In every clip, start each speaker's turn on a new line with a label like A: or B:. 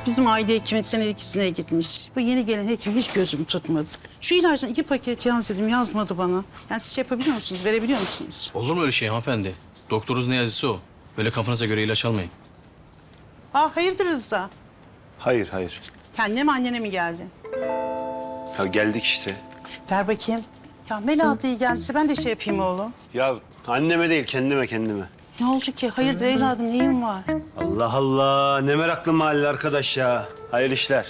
A: Bizim aile hekimin senelik izine gitmiş. Bu yeni gelen hekim hiç gözüm tutmadı. Şu ilaçtan 2 paket yaz dedim, yazmadı bana. Yani siz şey yapabiliyor musunuz, verebiliyor musunuz?
B: Olur mu öyle şey hanımefendi? Doktorunuz ne yazısı o. Böyle kafanıza göre ilaç almayın.
A: Hayırdır Rıza?
C: Hayır, hayır.
A: Kendine mi annene mi geldi?
C: Ya geldik işte.
A: Ver bakayım. Ya Melahat iyi geldiyse ben de şey yapayım oğlum.
C: Ya anneme değil, kendime.
A: Ne oldu ki? Hayırdır evladım, neyin var?
C: Allah Allah, ne meraklı mahalle arkadaş ya. Hayırlı işler.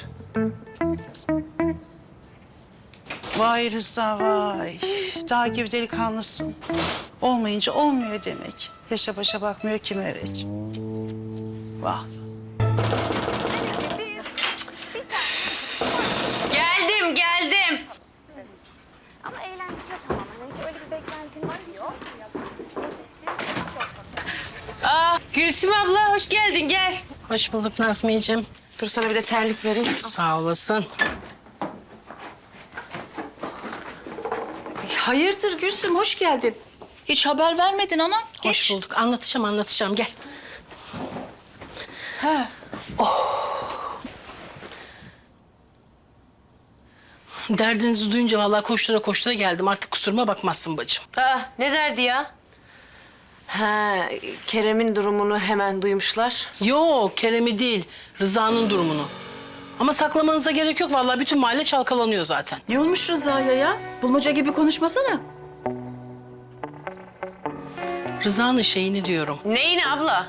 A: Vay Rıza vay. Dağ gibi delikanlısın. Olmayınca olmuyor demek. Yaşa başa bakmıyor ki Meriç. Vah.
D: Geldim.
E: Ama eğlenceli tamam. Hani hiç öyle bir beklentin var yok.
D: Gülsüm abla hoş geldin gel.
F: Hoş bulduk Nazmiyeciğim.
D: Dur sana bir de terlik vereyim.
F: Sağ olasın.
G: Hayırdır Gülsüm, hoş geldin. Hiç haber vermedin anam.
F: Hoş bulduk. Anlatacağım. Gel.
G: Ha.
F: Derdinizi duyunca vallahi koştura geldim. Artık kusuruma bakmazsın bacım.
D: Ne derdi ya? Ha, Kerem'in durumunu hemen duymuşlar.
F: Yok, Kerem'i değil, Rıza'nın durumunu. Ama saklamanıza gerek yok. Vallahi bütün mahalle çalkalanıyor zaten.
G: Ne olmuş Rıza'ya ya? Bulmaca gibi konuşmasana.
F: Rıza'nın şeyini diyorum.
D: Neyini abla?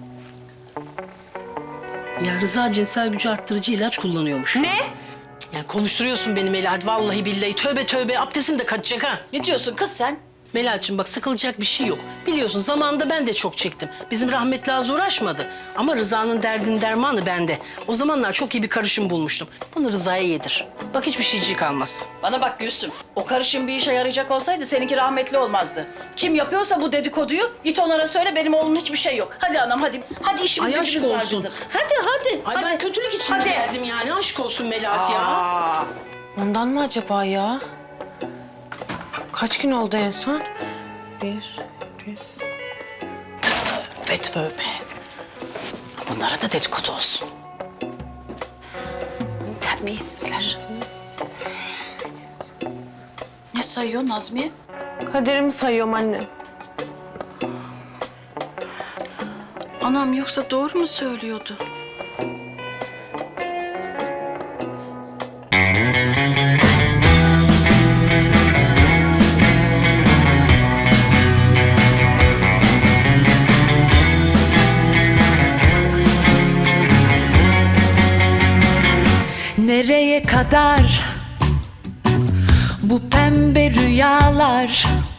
F: Ya Rıza cinsel gücü arttırıcı ilaç kullanıyormuş.
D: Ne?
F: Ya konuşturuyorsun beni Melahat. Vallahi billahi. Tövbe abdestim de kaçacak ha.
G: Ne diyorsun kız sen?
F: Melahat'cığım bak sıkılacak bir şey yok. Biliyorsun zamanında ben de çok çektim. Bizim rahmetli az uğraşmadı. Ama Rıza'nın derdinin dermanı bende. O zamanlar çok iyi bir karışım bulmuştum. Bunu Rıza'ya yedir. Bak hiçbir şeycik kalmaz.
G: Bana bak Gülsüm. O karışım bir işe yarayacak olsaydı seninki rahmetli olmazdı. Kim yapıyorsa bu dedikoduyu git onlara söyle benim oğlumun hiçbir şey yok. Hadi anam hadi. Hadi işimiz
F: Ay, aşk
G: gücümüz var
F: olsun.
G: bizim. Hadi.
F: Ay ben kötülük içinde geldim yani. Aşk olsun Melahat ya.
D: Ondan mı acaba ya? Kaç gün oldu en son?
F: Tövbe. Bunlara da dedikodu olsun. Terbiyesizler.
G: Ne sayıyor Nazmiye?
D: Kaderimi sayıyorum anne.
G: Anam yoksa doğru mu söylüyordu?
H: Nereye kadar bu pembe rüyalar?